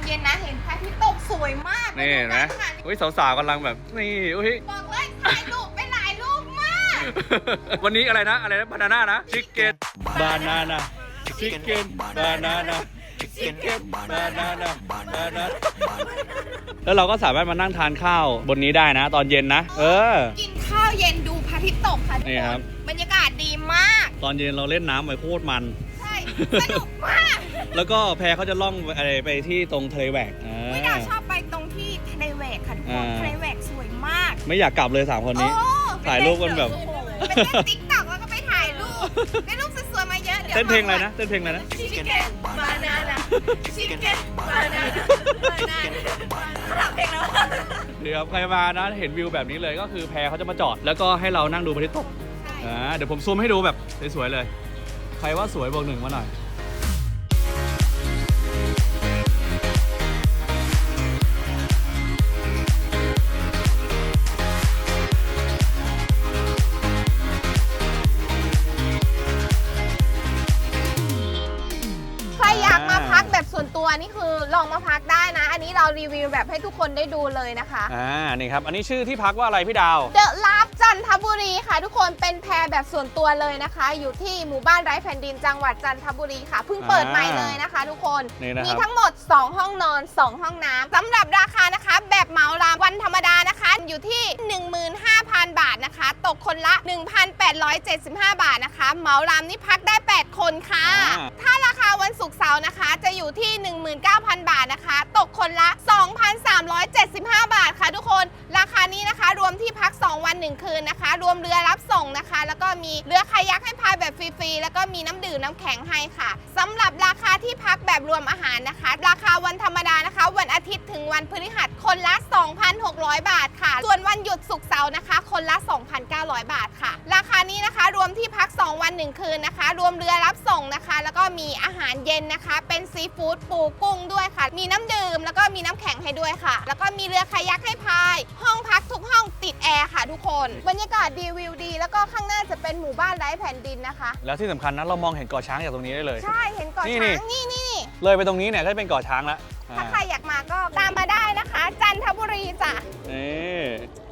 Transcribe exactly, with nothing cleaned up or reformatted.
เย็นนะเห็นพระอาทิตย์ตกสวยมากนี่เห็นไหมอุ้ยสาวๆกำลังแบบนี่อุ้ยบอกเลยถ่ายรูปไปหลายรูปมากวันนี้อะไรนะอะไรนะบานาน่านะชิคเก้นบานาน่าชิคเก้นบานาน่าชิคเก้นบานาน่าบานาน่าแล้วเราก็สามารถมานั่งทานข้าวบนนี้ได้นะ ตอนเย็นนะเออกินข้าวเย็นดูพระอาทิตย์ตกค่ะทุกนี่คครับนบรรยากาศดีมากตอนเย็นเราเล่นน้ำไปโคตรมันใช่สนุกมากแล้วก็แพเขาจะล่องอะไรไปที่ตรงทะเลแหวกอ่าวิดาชอบไปตรงที่ทะเลแหวกค่ะทุกคนอ่าทะเลแหวกสวยมากไม่อยากกลับเลยสามคนนี้โอ้ถ่ายรูปกันแบบไปเล่นติ๊กต็อกแล้วก็ไปถ่ายรูปได้รูปสวยๆมาเยอะดี๋ยวเต้นเพลงอะไรนะเต้นเพลงอะไรนะชิคเก้นบานาน่าชิคเก้นบานาน่าบานาน่าเพลงแล้วเดี๋ยวใครมานะเห็นวิวแบบนี้เลยก็คือแพเขาจะมาจอด แล้วก็ให้เรานั่งดูพระอาทิตย์ตกอ่าเดี๋ยวผมซูมให้ดูแบบสวยๆเลย ใครว่าสวยบอกหนึ่งมาหน่อยใครอยากมาพักแบบส่วนตัวนี่คือลองมาพักได้นะ อันนี้เรารีวิวแบบให้ทุกคนได้ดูเลยนะคะอ่านี่ครับอันนี้ชื่อที่พักว่าอะไรพี่ดาวเดอะลาฟจันทบุรีค่ะ ทุกคนเป็นแพรแบบส่วนตัวเลยนะคะ อยู่ที่หมู่บ้านไร้แผ่นดินจังหวัดจันทบุรีค่ะเพิ่งเปิดใหม่เลยนะคะ ทุกคนนี่นะครับมีทั้งหมดสองห้องนอนสองห้องน้ำสำหรับราคานะคะ แบบเหมาลามวันธรรมดานะคะ อยู่ที่ หนึ่งหมื่นห้าพัน บาทนะคะ ตกคนละ หนึ่งพันแปดร้อยเจ็ดสิบห้า บาทนะคะ เหมาลามนี่พักได้ แปด คนค่ะ ถ้าราคาวันศุกร์เสาร์นะคะ จะอยู่ที่ หนึ่งหมื่นเก้าพัน บาทนะคะ ตกคนละ สองพันสามร้อยเจ็ดสิบห้า บาทค่ะทุกคน ราคานี้นะคะรวมที่พัก สอง วันหนึ่งคืนนะคะ รวมเรือรับส่งนะคะ แล้วก็มีเรือคายักให้พายแบบฟรีๆ แล้วก็มีน้ำดื่มน้ำแข็งให้ค่ะสำหรับราคาที่พักแบบรวมอาหารนะคะ ราคาวันธรรมดานะคะ วันอาทิตย์ถึงวันพฤหัสคนละ สองพันหกร้อย บาทค่ะ ส่วนวันหยุดศุกร์เสาร์นะคะ คนละ สองพันเก้าร้อย บาทค่ะ ราคานี้นะคะรวมที่พัก สอง วันหนึ่งคืนนะคะ รวมเรือรับส่งนะคะ แล้วก็มีอาหารเย็นนะคะ เป็นซีฟู้ดปูกุ้งด้วยค่ะ มีน้ำดื่มแล้วก็มีน้ำแข็งให้ด้วยค่ะ แล้วก็มีเรือคายักให้พาย ห้องพักทุกห้องติดแอร์ค่ะทุกคน บรรยากาศดีวิวดี แล้วก็ข้างหน้าจะเป็นหมู่บ้านไร้แผ่นดินนะคะแล้วที่สำคัญนะเรามองเห็นเกาะช้างจากตรงนี้ได้เลยใช่เห็นเกาะนี่ช้างนี่นี่เลยไปตรงนี้เนี่ยก็จะเป็นเกาะช้างแล้วถ้าใครอยากมาก็ตามมาได้นะคะ จันทบุรีจ้ะนี่